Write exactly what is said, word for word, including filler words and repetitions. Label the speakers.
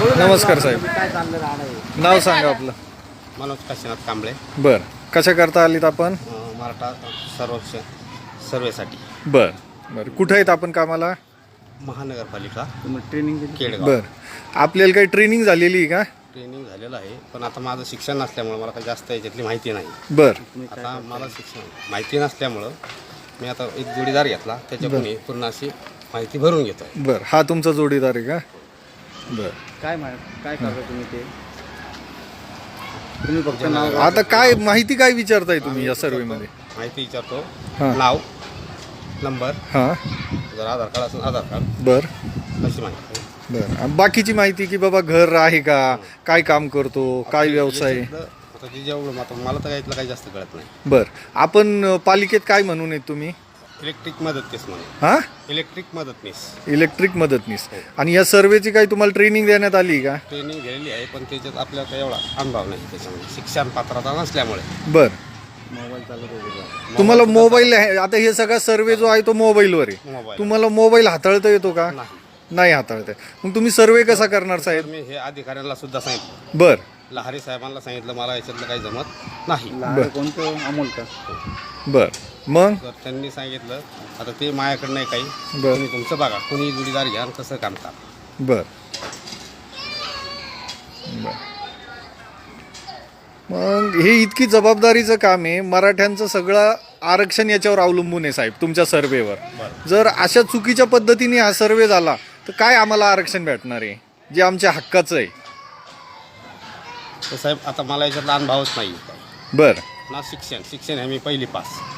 Speaker 1: नमस्कार साहेब,
Speaker 2: काय चाललं राहणार
Speaker 1: नाव सांगा आपलं.
Speaker 3: मनोज काशीनाथ कांबळे.
Speaker 1: बर, कशा करता आलीत आपण?
Speaker 3: अं, मराठा सर्वेक्षण सर्वेसाठी
Speaker 1: बर बर, कुठं आहेत आपण कामाला?
Speaker 3: महानगरपालिका
Speaker 2: तुम्ही ट्रेनिंग दिली?
Speaker 3: केडगाव.
Speaker 1: बर, आपल्याला काही ट्रेनिंग झालेली आहे का?
Speaker 3: ट्रेनिंग झालेलं आहे, पण आता माझं शिक्षण नसल्यामुळं मला काही जास्त याच्यातली माहिती नाही.
Speaker 1: बर
Speaker 3: आता मला शिक्षण माहिती नसल्यामुळं मी आता एक जोडीदार घेतला, त्याच्याकडून ही पूर्ण अशी माहिती भरून घेतो.
Speaker 1: बर, हा तुमचा जोडीदार आहे का? बर,
Speaker 2: काय मा- काय करता तुम्ही ते? तुम्ही फक्त नाव
Speaker 1: आता काय माहिती काय विचारताय तुम्ही या सर्वे मध्ये?
Speaker 3: माहिती विचारतो,
Speaker 1: हां.
Speaker 3: नाव, नंबर,
Speaker 1: हां.
Speaker 3: जर आधार कार्ड असेल आधार कार्ड,
Speaker 1: बर
Speaker 3: अशी माहिती.
Speaker 1: बर, आणि बाकीची माहिती की बाबा घर आहे का, काय काम करतो, काय व्यवसाय आहे?
Speaker 3: याच्यातलं आता ते जेवढं आता मला तर यातलं काही जास्त कळत नाही.
Speaker 1: बर, आपण अ, पालिकेत काय म्हणून आहेत तुम्ही?
Speaker 3: इलेक्ट्रिक मदतनीस म्हणून.
Speaker 1: हा,
Speaker 3: इलेक्ट्रिक मदतनीस
Speaker 1: इलेक्ट्रिक मदतनीस. आणि या सर्वेची काही तुम्हाला ट्रेनिंग देण्यात आली का?
Speaker 3: ट्रेनिंग गेलेली आहे, पण त्याच्यात आपल्याला काही एवढा अनुभव नाही त्याच्यामध्ये, शिक्षण पात्रता नसल्यामुळे.
Speaker 1: बर,
Speaker 2: मोबाईल चालत होते.
Speaker 1: तुम्हाला मोबाईल आहे, आता हे सगळा सर्वे जो आहे तो मोबाईलवर आहे.
Speaker 3: मोबाईल
Speaker 1: तुम्हाला मोबाईल हाताळता येतो का?
Speaker 3: नाही.
Speaker 1: नाही हाताळता येत. मग तुम्ही सर्वे कसा करणार
Speaker 3: तर
Speaker 1: साहेब?
Speaker 3: मी हे अधिकाऱ्यांना सुद्धा सांगितलं,
Speaker 1: बर
Speaker 3: लहारी साहेबांना सांगितलं, मला याच्यातलं काही जमत नाही.
Speaker 2: लहान कोणतं अमोल का?
Speaker 1: बर, मग
Speaker 3: तर त्यांनी सांगितलं आता ते माझ्याकडे नाही काही,
Speaker 1: बर
Speaker 3: तुम्ही तुमचं बघा, कोणी जोडीदार घ्या आणि कसं काम करा.
Speaker 1: बर बर. मग हे इतकी जबाबदारीचं काम आहे, मराठ्यांचं सगळं आरक्षण याच्यावर अवलंबून आहे साहेब, तुमच्या सर्वेवर.
Speaker 3: बरं.
Speaker 1: जर अशा चुकीच्या पद्धतीने हा सर्वे झाला तर काय आम्हाला आरक्षण भेटणार आहे जे आमच्या हक्काचं आहे?
Speaker 3: तर साहेब आता मला याच्यातला अनुभवच नाही,
Speaker 1: बर
Speaker 3: ना शिक्षण शिक्षण आहे मी पहिली पास.